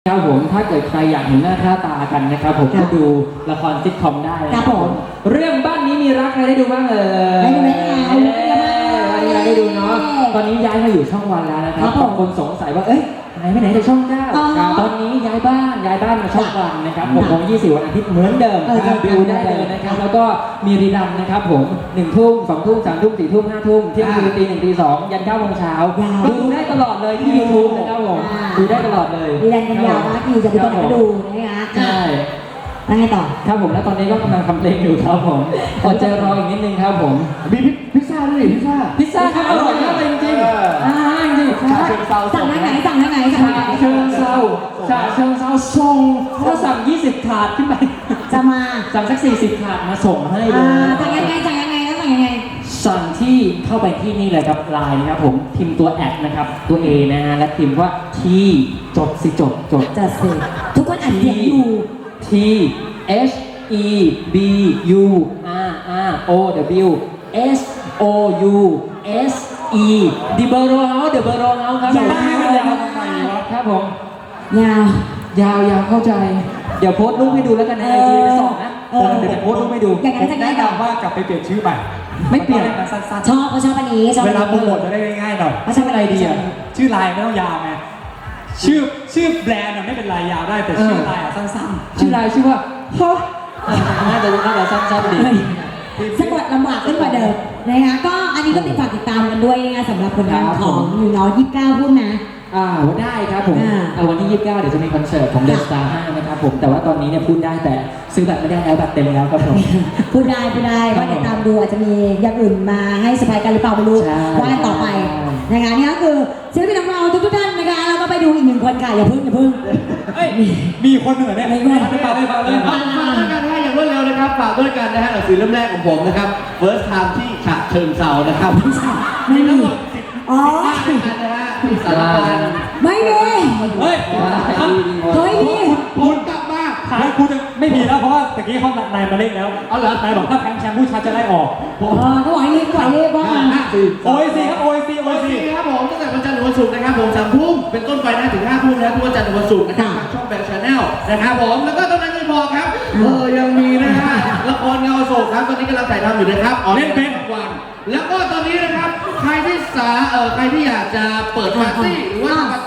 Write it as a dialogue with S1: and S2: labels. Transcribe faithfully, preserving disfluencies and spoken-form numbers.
S1: ครับผมถ้าเกิดใครอยากเห็นหน้าค่าตากันนะครับผมก็ดูละครซิทคอมได้ครับผมเรื่องบ้านนี้มีรักใครได้ดูบ้างเอ่ย
S2: ได้ดูไหม
S1: วันนี้ได้ดูเนาะตอนนี้ย้ายมาอยู่ช่องวันแล้วนะครับบางคนสงสัยว่าเอ้ยหายไปไหนแต่ช่องเก้าตอนนี้ย้ายบ้านย้ายบ้านมาช่องวันนะครับผมของยี่สิบวันอาทิตย์เหมือนเดิมดูได้เลยนะครับแล้วก็มีรีดันนะครับผมหนึ่งทุ่มสองทุ่มสามทุ่มสี่ทุ่มห้าทุ่มเที่ยงคืนตีหนึ่งตีสองยันเก้าโมงเช้าดูได้ตลอดเลยที่ยูทูบนะครับผมดูได้ตลอดเลย
S2: รีดันกันยาวมากอยู่จะไปกดดูนะคะ
S1: ใช่
S2: แล้วไงต่อ
S1: ครับผมแล้วตอนนี้ก็กำลังทำเพลงอยู่ครับผมอดใจรออีกนิดนึงครับผม
S3: มีพิซซ่าด้วยพิซซ่า
S1: พิซซ่าครับอร่อยมากเลยจริงๆอ่าจริงๆ
S2: สั่งได้ไหนสั่งได้ไหนสั่งได้ไหน
S1: เชิงเซาชาเชิงเซาส่งถ้าสั่งยี่สิบถาดขึ้นไป
S2: จะมา
S1: สั่งสักสี่สิบถาดมาส่งให้เลย
S2: สั่งยังไงสั่งยังไงแล้วสั่งยังไง
S1: สั่งที่เข้าไปที่นี่เลยครับไลน์นะครับผมพิมพ์ตัวแอดนะครับตัว A นะฮะและพิมพ์ว่าที่จดสิจดจด
S2: จะสิทุกคนอ่านเสียงอยู่
S1: T H E B U R R O W S O U S E ดิเบอร์โรเฮาเดอะเบอร์โรเฮาครับ
S2: ยาว
S1: ครับผม
S2: ยาวย
S1: าวยาวเข้าใจเดี๋ยวโพสต์รูปให้ดูแล้วกันในไอจีไปสองนะเดี๋ยวโพสต์รูปให้ดู
S2: อย่างนั้นจะง่าย
S3: แนะนำว่ากลับไปเปลี่ยนชื่อใหม่
S1: ไม่เปลี่ยน
S3: สั้น
S2: ๆชอบเขาชอบอันนี้
S3: เวลาโปรโมทจะได้ง่ายๆหน่อย
S2: เขาชอบอะไรดีอ่ะ
S3: ชื่อไลน์ไม่ต้องยาวไงชื่อชื่อแบรนด์ไม่เป็นไรยาวได้แต่ชื่อไลน์อ่ะสั้น
S1: ๆชื่อไลน์ชื่อว่าฮะน่าจะน่าจะสั้นๆดี
S2: สะกดลำบากขึ้นกว่าเดิมนะคะก็อันนี้ก็ติดฝากติดตามกันด้วยนะสำหรับผลงานของอยู่น้อยยี่สิบเก้าพูดนะ
S1: อ่าได้ครับผมวันที่ยี่สิบเก้าเดี๋ยวจะมีคอนเสิร์ตของ The Star ห้านะครับผมแต่ว่าตอนนี้เนี่ยพูดได้แต่ซื้อบัตรไม่ได้แล้วบัตรเต็มแล้วครับผม
S2: พูดได้พูดได้ว่าติดตามดูอาจจะมีอย่างอื่นมาให้สบายกันหรือเปล่าไม่รู้ว่ากันต่อไปนะคะนี่ก็คือศิลปินของเราทุกท่านนะคะเราก็ไปดูอีกหนึ่งคนค่ะอย่าพึ่งอย่าพึ่ง
S3: มีคนเหนือเนี่ย
S2: ไม่ไม่
S3: ไปเลยไปเลยฝากด้วยกันนะอย่างรวดเร็วนะครับฝากด้วยกันนะฮะหนังสือเล่มแรกของผมนะครับ First Time ที่ฉะเชิงเทรานะครับ
S2: ไม่มีอ๋อ
S3: นะฮะสารพัด
S2: ไม่มี
S3: เฮ้ย
S2: เฮ้ยมี
S3: คุณกลับมาแล้วคุณไม่มีแล้วเพราะว่าตะกี้เขานายมาเล่นแล้วเอาเหรอนายบอกถ้าแพ้แชมป์ผู้ชายจะได้ออก
S2: อ๋อเขาบอกให้รีบปล่อยรีบบ้าง
S3: โอเอซีครับโอเอซีโอเอซีครับผมตั้งแต่วันจันทร์ถึงวันศุกร์นะครับผมสามทุ่มเป็นต้นไปนะถึงห้าทุ่มนะทุกวันจันทร์ถึงวันศุกร์นะครับทางช่องแบงค์ชาแนลนะครับผมแล้วก็ตอนนั้นไม่พอครับเออยังมีนะฮะละครเงาโศกครับตอนนี้กำลังถ่ายทำอยู่นะครับเล่นเป็นวันแล้วก็ตอนนี้นะครับใครที่สาเออใครที่อยากจะเปิดปาร์ตี้หรือว่า